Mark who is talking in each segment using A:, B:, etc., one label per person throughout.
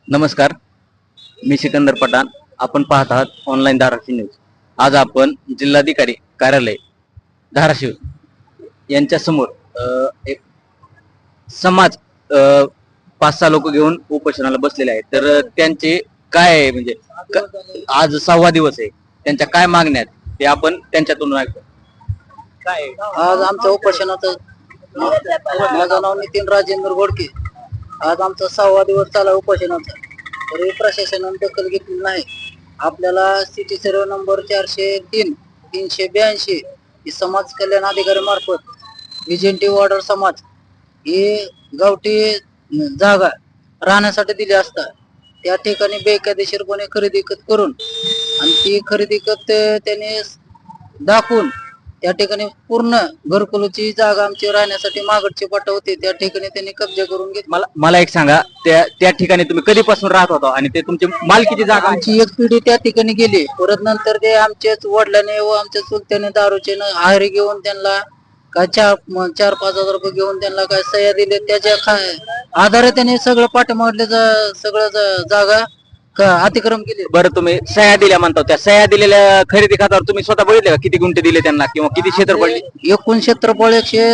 A: नमस्कार, मी सिकंदर पठाण. आपण पाहत आहात ऑनलाईन धाराशिव न्यूज. आज आपण जिल्हाधिकारी कार्यालय धाराशिव यांच्या समोर एक समाज 5-6 लोक घेऊन उपोषणाला बसलेले आहेत. तर त्यांचे काय आहे म्हणजे आज 6वा दिवस आहे, त्यांच्या काय मागण्या आहेत ते आपण त्यांच्यातून ऐकतो.
B: काय आज आमच्या उपोषणाचं माझं नाव नितीन राजेंद्र घोडके. आज आमचा 6वा दिवस चालला उपोषणाचा. तरी प्रशासनाने दखल घेतली नाही. आपल्याला सिटी सर्व नंबर 403 382 ही समाज कल्याण अधिकारी मार्फत विजेंटी वॉर्डर समाज ही गावठी जागा राहण्यासाठी दिली असता त्या ठिकाणी बेकायदेशीरपणे खरेदी करून आणि ती खरेदी त्याने दाखवून त्या ठिकाणी पूर्ण घरकुलची जागा आमची राहण्यासाठी मागडची पाटा होती त्या ठिकाणी त्यांनी कब्जा करून घेतला.
A: मला एक सांगा, त्या ठिकाणी तुम्ही कधीपासून राहत होता आणि ते तुमची मालकीची जागा?
B: आमची एक पिढी त्या ठिकाणी गेली. परत नंतर ते आमच्याच वडिलांनी व आमच्या चुलत्याने दारूचे आहारी घेऊन त्यांना काय 4-5 हजार रुपये घेऊन त्यांना काय सह्या दिले. त्याच्या आधारे त्यांनी सगळं पाठीमागल्या सगळं जागा अतिक्रम केले.
A: बरं, तुम्ही सह्या दिल्या म्हणता, त्या सह्या दिलेल्या खरेदी खात्यावर तुम्ही स्वतः बघितले का किती गुंठे दिले त्यांना किंवा किती क्षेत्र पडले?
B: एकूण क्षेत्रफळ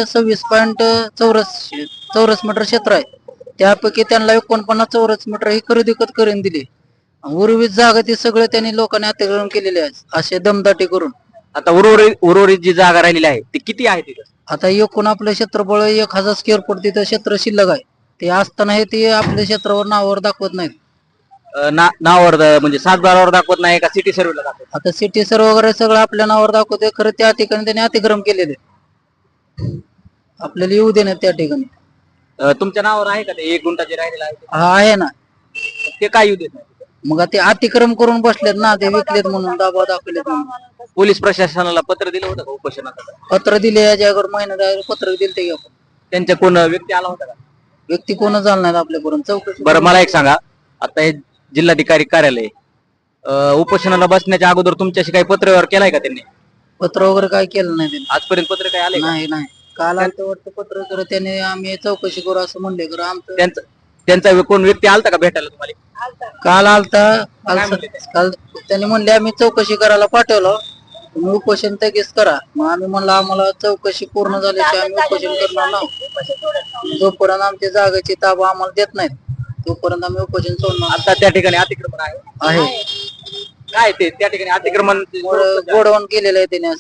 B: 126.84 चौरस मीटर क्षेत्र आहे. त्यापैकी त्यांना 49 चौरस मीटर ही खरेदी करून दिली. उर्वरित जागा ती सगळं त्यांनी लोकांनी अतिक्रमण केलेले आहे असे दमदाटी करून.
A: आता उर्वरित जी जागा राहिलेली आहे ती किती आहे तिथं?
B: आता एकूण आपलं क्षेत्रफळ 1000 स्क्वेअर फूट तिथं क्षेत्र शिल्लक आहे. ते असताना हे ते आपल्या क्षेत्रावर नावावर दाखवत नाहीत.
A: नावावर म्हणजे 7/12वर दाखवत नाही का सिटी सर्व्हिला दाखवत?
B: आता सिटी सर्व वगैरे सगळं आपल्या नावावर दाखवते. खरं त्या ठिकाणी त्यांनी अतिक्रम केलेले आपल्याला येऊ देण्यात त्या ठिकाणी.
A: तुमच्या नावावर आहे का ते 1 गुंठा जे राहिलेला आहे?
B: हा आहे ना.
A: ते काय येऊ देत नाही?
B: मग ते अतिक्रम करून बसलेत ना, ते विकलेत म्हणून दबाव दाखवलेत म्हणून.
A: पोलीस प्रशासनाला पत्र दिलं होतं का उपोषणाचं?
B: पत्र दिले याच्या महिन्यात पत्र दिले ते.
A: त्यांच्या कोण व्यक्ती आला होता का?
B: व्यक्ती कोण झाला नाही आपल्यापर्यंत चौकशी.
A: बरं, मला एक सांगा, आता हे जिल्हाधिकारी कार्यालय उपोषणाला बसण्याच्या अगोदर तुमच्याशी काही पत्र व्यवहार केलाय का त्यांनी?
B: पत्र वगैरे काय केलं नाही त्यांनी.
A: आजपर्यंत पत्र काय आले?
B: नाही नाही. काल आलं वाटतं पत्र, तर त्याने आम्ही चौकशी करू असं म्हणले. खरं आमचं
A: त्यांचा कोण व्यक्ती आलता का भेटायला तुम्हाला?
B: काल काल त्यांनी म्हणले आम्ही चौकशी करायला पाठवलं, तुम्ही उपोषण लगेच करा. मग आम्ही म्हणलं आम्हाला चौकशी पूर्ण झाल्याची आम्ही उपोषण करणार नाही. जोपर्यंत आमच्या जागेची ताबा आम्हाला देत नाहीत तोपर्यंत आम्ही उपोषण सोडणार.
A: आता त्या ठिकाणी अतिक्रमण आहे काय? ते त्या ठिकाणी अतिक्रमण
B: गोडवण केलेलं आहे त्याने.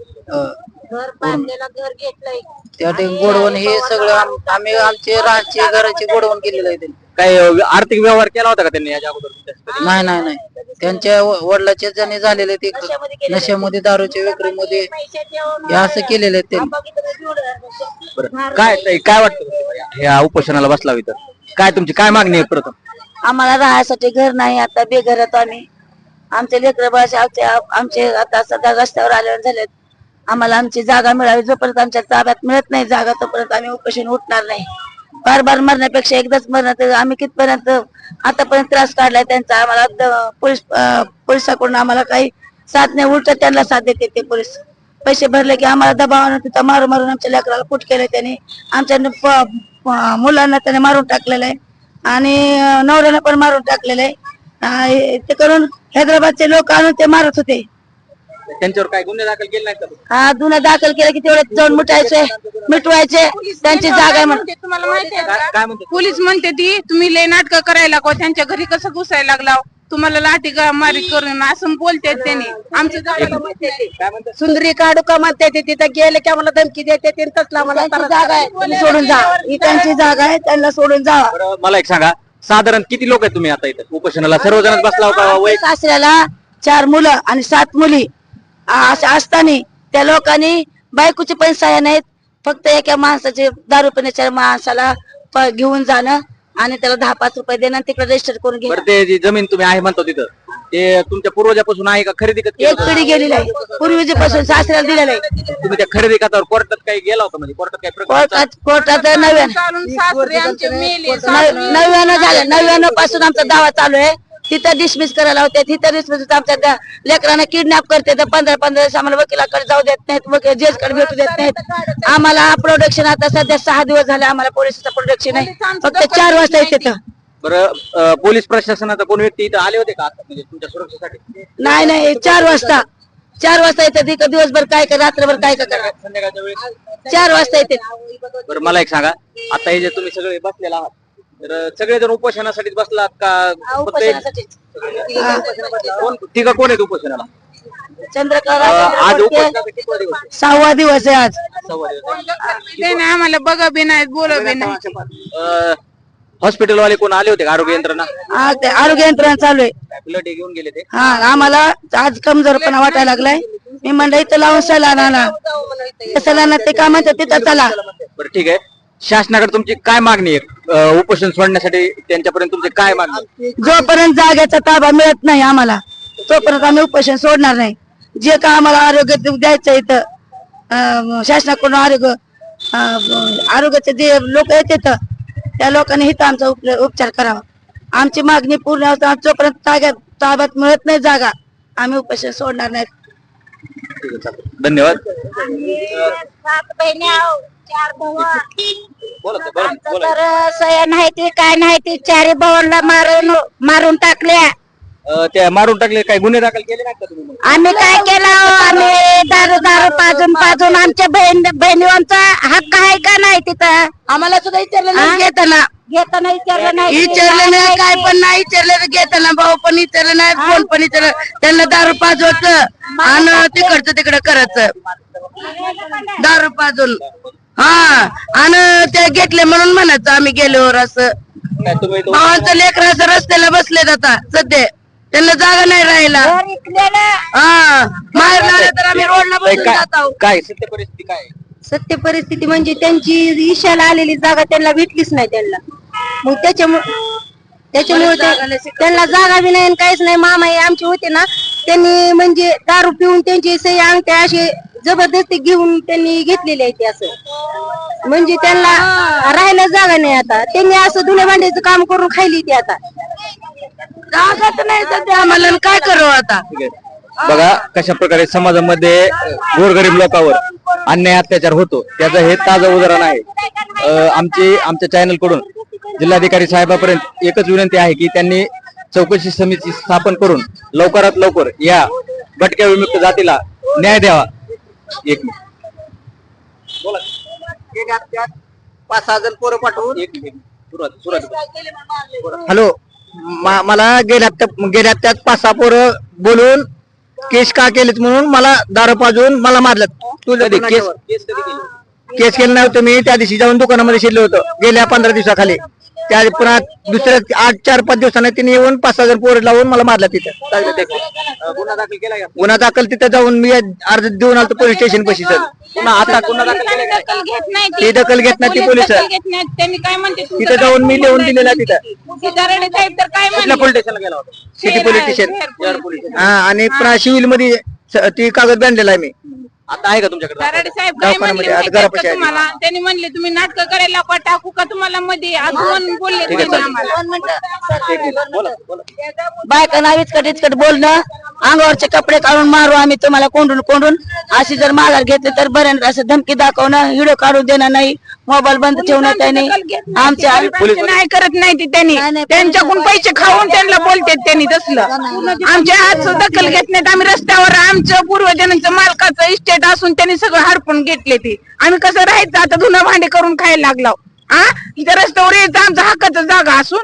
C: घर बांधलेलं, घर घेतलंय
B: त्या ठिकाणी गोडवण हे सगळं आम्ही आमचे राहचे घराचे गोडवण केलेलं आहे त्यांनी.
A: काही आर्थिक व्यवहार केला होता का त्यांनी याच्या अगोदर?
B: नाही नाही नाही. त्यांच्या वडिलाचे ज्यांनी झालेले ते नशेमध्ये दारूच्या विक्रीमध्ये हे असं केलेलं आहे त्यांनी.
A: काय वाटतं ह्या उपोषणाला बसला तर काय तुमची काय मागणी आहे? प्रथम
C: आम्हाला राहण्यासाठी घर नाही. आता बेघर होतो आम्ही. आमचे लेकर बाळाचे आमचे आता सध्या रस्त्यावर आलेले झालेत. आम्हाला आमची जागा मिळावी. जोपर्यंत आमच्या ताब्यात मिळत नाही जागा तोपर्यंत आम्ही उपोषण उठणार नाही. बार मरण्यापेक्षा एकदाच मरण. तर आम्ही कितपर्यंत आतापर्यंत त्रास काढलाय त्यांचा. आम्हाला पोलिसाकडून आम्हाला काही साथ नाही, उलट त्यांना साथ देते ते पोलीस. पैसे भरले की आम्हाला दबावानं तिथं मारून आमच्या लेकराला कुट केलंय त्यांनी. आमच्या मुलांना त्याने मारून टाकलेलं आहे आणि नवऱ्याला पण मारून टाकलेलं आहे. ते करून हैदराबादचे लोक आणून ते मारत होते.
A: त्यांच्यावर काय गुन्हे दाखल केले नाहीत का?
C: हा, गुन्हा दाखल केला की तेवढे जाऊन मिटवायचे त्यांची जागा आहे.
D: तुम्हाला माहितीये का?
A: काय म्हणते
D: पोलीस म्हणते ती तुम्ही लय नाटक करायला को त्यांच्या घरी कसं घुसायला लागला, तुम्हाला लाठी मारी करून असं बोलते त्यांनी. आमचं
C: सुंदरी काढू का म्हणते तिथं गेले की आम्हाला धमकी देते. तसला मला जागा आहे सोडून जा, ही त्यांची जागा आहे त्यांना सोडून जा.
A: मला एक सांगा, साधारण किती लोक आहेत तुम्ही आता इथं उपोषणाला? सर्वजण बसला होता?
C: सासऱ्याला 4 मुलं आणि 7 मुली असताना त्या लोकांनी बायकोचे पण सह्या नाहीत. फक्त एका माणसाचे दारू पिण्याच्या माणसाला घेऊन जाणं आणि त्याला 10-5 रुपये देणं तिकडे रजिस्टर करून घ्या.
A: ते जी जमीन तुम्ही आहे म्हणतो तिथं ते तुमच्या पूर्वजापासून आहे का खरेदी?
C: एक पिढी गेलेली आहे पूर्वीपासून सासऱ्याला दिलेलं आहे.
A: तुम्ही त्या खरेदी खात्यावर कोर्टात काही गेला होता? म्हणजे कोर्टात काही प्रकार?
C: कोर्टात 99 झालं. 99 पासून आमचा दावा चालू आहे. तिथं डिसमिस करायला होते. तिथं डिसमिस आमच्या लेकरांना किडनॅप करते. तर 15 दिवस आम्हाला वकिलाकडे जाऊ देत नाहीत, जजकडे भेटू देत नाहीत. आम्हाला प्रोडक्शन आता सध्या 6 दिवस झाले आम्हाला पोलिसाचं प्रोडक्शन आहे. फक्त 4 वाजता येते.
A: बरं पोलीस प्रशासनाचा कोण व्यक्ती इथं आले होते का आता म्हणजे तुमच्या सुरक्षेसाठी?
C: नाही 4 वाजता येते तिथं. दिवसभर काय का रात्रभर काय का करा.
A: संध्याकाळच्या वेळेस
C: 4 वाजता येते.
A: बरं मला एक सांगा, आता हे जे तुम्ही सगळे बसलेला आहात तर सगळेजण उपोषणासाठीच बसलात का? फक्त तिघ कोण आहेत उपोषणाला?
C: चंद्रकला
A: आज उपोषणाचा कितवा दिवस आहे?
C: 6वा दिवस आहे आज.
A: 6वा दिवस.
D: ते नाही आम्हाला बघा बी नाही बोला बी नाही.
A: हॉस्पिटल वाले कोण आले होते का? आरोग्य यंत्रणा
C: ते आरोग्य यंत्रणा चालू आहे.
A: ब्लड घेऊन गेले ते?
C: हा आम्हाला आज कमजोरपणा वाटायला लागलाय. मी म्हणलं इथं लावून सलाना आणा. सलाना ते काय म्हणतात तिथं चला.
A: बरं ठीक आहे, शासनाकडे तुमची काय मागणी आहे उपोषण सोडण्यासाठी? त्यांच्यापर्यंत तुमची काय मागणी आहे?
C: जोपर्यंत जागेचा ताबा मिळत नाही आम्हाला तोपर्यंत आम्ही उपोषण सोडणार नाही. जे का आम्हाला आरोग्य द्यायचं इथं शासनाकडून आरोग्याचे जे लोक येतात त्या लोकांनी इथं आमचा उपचार करावा. आमची मागणी पूर्ण होता. जोपर्यंत ताब्यात मिळत नाही जागा आम्ही उपोषण सोडणार नाही.
A: ठीक आहे, चालेल. धन्यवाद.
C: 7 बहिणी आहोत, 4 भाऊ.
A: बोला ताई, बोला,
C: आमचं
A: बोला.
C: तर सया नाही ती काय नाही ती 4 भावांना मारून टाकल्या.
A: त्या मारून टाकले, काही गुन्हे दाखल केले नाहीत का तुम्ही?
C: आम्ही काय केलं आम्ही दारू पाजून आमच्या बहिणींचा हक्क आहे का नाही तिथं? आम्हाला सुद्धा विचारलं नाही. घेताना विचारलं नाही काय पण नाही विचारलं. घेताना भाऊ पण विचारलं नाही, कोण पण विचारलं. त्यांना दारू पाजवायचं आणि तिकडचं तिकडं करायचं. दारू पाजून आणि ते घेतले म्हणून म्हणायचं आम्ही गेल्यावर असं.
A: काय तुम्ही तो-
C: भावांचं लेकर असं रस्त्याला बसलेत आता सध्या. त्यांना जागा नाही राहिला. माहेर तर आम्ही रोडला
A: ताई,
C: बसून
A: काय
C: जात आहोत.
A: काय सत्य परिस्थिती काय आहे?
C: सत्य परिस्थिती म्हणजे त्यांची ईशाला आलेली जागा त्यांना भेटलीच नाही. त्यांना मग त्याच्यामुळे त्यांना जागा बी नाही आणि काहीच नाही. मामा हे आमचे होते ना, त्यांनी म्हणजे दारू पिऊन त्यांची सही अंगठ्या अशी जबरदस्ती घेऊन त्यांनी घेतलेली आहे. ते असं म्हणजे त्यांना राहायला जागा नाही. आता त्यांनी असं धुण्या भांड्याचं काम करून खायली ती. आता जागाच नाही सध्या आम्हाला, काय करू आता.
A: ठीक आहे. बघा कशा प्रकारे समाजामध्ये गोरगरीब लोकांवर अन्याय अत्याचार होतो त्याचं हे ताजं उदाहरण आहे. आमच्या चॅनल कडून जिल्हाधिकारी साहेबांपर्यंत एकच विनंती आहे की त्यांनी चौकशी समिती स्थापन करून लवकरात लवकर या भटक्या विमुक्त जातीला न्याय द्यावा. एक मिनिट. बोला.
B: 5-6 जण पोरं पाठवून.
A: एक मिनिट. सुरुवात.
B: हॅलो, मला गेल्या हप्त्यात 5-6 पोरं बोलून केस का केलेत म्हणून मला दारू पाजून मला मारलं.
A: कधी केस कधी केली?
B: केस केलं नव्हतं मी. त्या दिवशी जाऊन दुकानामध्ये शिरलो होतो गेल्या 15 दिवसाखाली. त्या पुन्हा दुसऱ्या 8-4-5 दिवसांनी तिने येऊन 5-6 जण पोरं लावून मला मारलं तिथं.
A: गुन्हा दाखल केला का?
B: गुन्हा दाखल तिथं जाऊन मी अर्ज देऊन आलो पोलीस स्टेशन पाशी. सर
A: पुन्हा आता गुन्हा दाखल केला का?
D: दखल घेत नाही
B: ती दखल घेत नाही ती पोलीस.
D: दखल घेत नाहीत. त्यांनी काय म्हणते तुमचं
B: तिथं जाऊन मी लिहून दिलेला तिथं.
D: दराडे साहेब तर काय
A: कुठल्या पोलीस स्टेशनला गेला होता?
B: City police station.
D: शहर पोलीस.
B: आणि पुन्हा सिव्हिल मध्ये ती कागद बांधलेला आहे मी.
A: आता आहे का तुमच्याकडे?
D: दराडे साहेब काय म्हणले
B: दवाखान्यामध्ये
D: माहिती
B: आता
D: आहे
B: घरापाशी
D: का
B: आहे.
D: तुम्हाला? त्यांनी म्हणले तुम्ही नाटक करायला का टाकू का तुम्हाला मध्ये अजून बोलले
A: ठीक आहे,
D: त्यांनी
A: चालेल.
D: आम्हाला.
A: बोला बोला.
C: बायका इचकट बोलणं, अंगावरचे कपडे काढून मारू आम्ही तुम्हाला कोंडून अशी जर माघार घेतली तर बरं. असं धमकी दाखवणं, व्हिडिओ काढून देणं नाही, मोबाईल बंद ठेवणं त्यांनी आमच्या
D: पोलीस नाही करत नाही ती त्यांनी. त्यांच्याकडून पैसे खाऊन त्यांना बोलतात त्यांनी तसलं. आमच्या हात दखल घेत नाहीत. आम्ही रस्त्यावर आमचं पूर्वजांचं मालकाचं इस्टेट असून त्यांनी सगळं हडपून घेतले ते. आम्ही कसं राहायचं आता? धुणं भांडे करून खायला लागलो. इथे रस्त्यावर यायचं आमचं हक्काचं जागा असून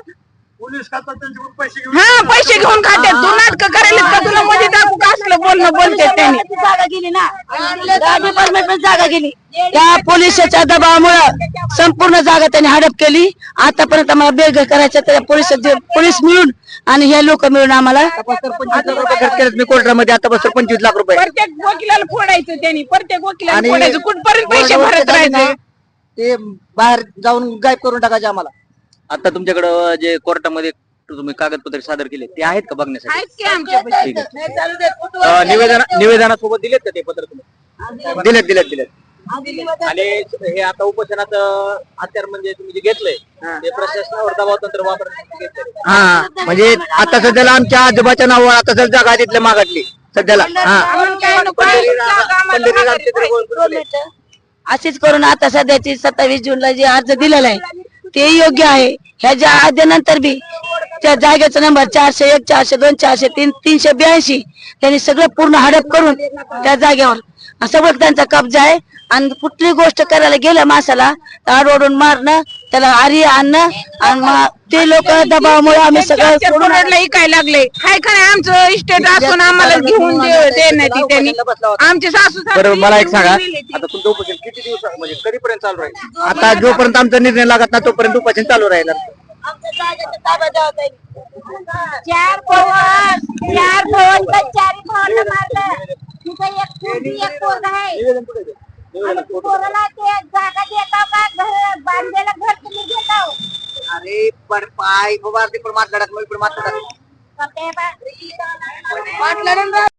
D: पैसे घेऊन खात्यात. तू नाटक करायला का? तुला मध्ये दाखवू का? असलं बोलणं बोलतात त्यांनी.
C: जागा गेली ना, डिपार्टमेंट जागा गेली. त्या पोलिसाच्या दबावामुळे संपूर्ण जागा त्यांनी हडप केली. आतापर्यंत आम्हाला बेघर करायचं तर पोलीस मिळून आणि हे लोक मिळून आम्हाला
B: 25 लाख रुपये खर्च केलेत मी कोर्टामध्ये. आतापासून 25 लाख रुपये.
D: प्रत्येक वकिलाला फोडायचं त्यांनी. प्रत्येक वकिलाला फोडायचं. कुठपर्यंत पैसे भरत राहायचे?
B: ते बाहेर जाऊन गायब करून टाकायचे आम्हाला.
A: आता तुमच्याकडं जे कोर्टामध्ये तुम्ही कागदपत्रे सादर केले ते आहेत का बघण्यासाठी?
D: आहेत की आमच्या
A: ठीक आहे. निवेदनासोबत दिलेत का ते पत्र तुम्ही?
B: दिलेत.
A: आणि हे आता उपोषणाचं हत्यार म्हणजे तुम्ही जे घेतलंय ते प्रशासनावर दबाव तंत्र वापरण्यासाठी घेतलंय.
B: हा म्हणजे आता सध्याला आमच्या आजोबाच्या नावावर आता सध्या जागा तिथल्या मागातली सध्याला.
D: आम्हाला काय नको.
A: पंढरी रामचंद्र गोळकर
C: अशीच करून आता सध्याची 27 जूनला जे अर्ज दिलेला आहे ते योग्य आहे. ह्याच्या आद्यानंतर बी त्या जागेचा नंबर 401, 402, 403, 382 त्यांनी सगळं पूर्ण हडप करून त्या जागेवर सगळं त्यांचा कब्जा आहे. आणि कुठली गोष्ट करायला गेलं माणसाला तर आडवडून मारणं, त्याला आरी आणणं आणि मग ते लोक दबावामुळे आम्ही सगळं सोडून
D: काय लागले हाय का नाही आमचं इस्टेट असून आम्हाला घेऊन देण्यात त्यांनी आमचे सासू
A: बरं मला एक सांगा, आता तुमचं उपोषण किती दिवस म्हणजे कधीपर्यंत चालू राहील? आता जोपर्यंत आमचा निर्णय लागत नाही तोपर्यंत उपोषण चालू राहील.
E: चार भवन मारलं तिथं एक पोरगी एक पोरगा आहे आणि ती पोराला ते जागा देता का घर बांधलेलं घर तुम्ही देता
B: अरे पण पाय बाबा ते पण मातलाडात पण मातलाडात
E: का ते बा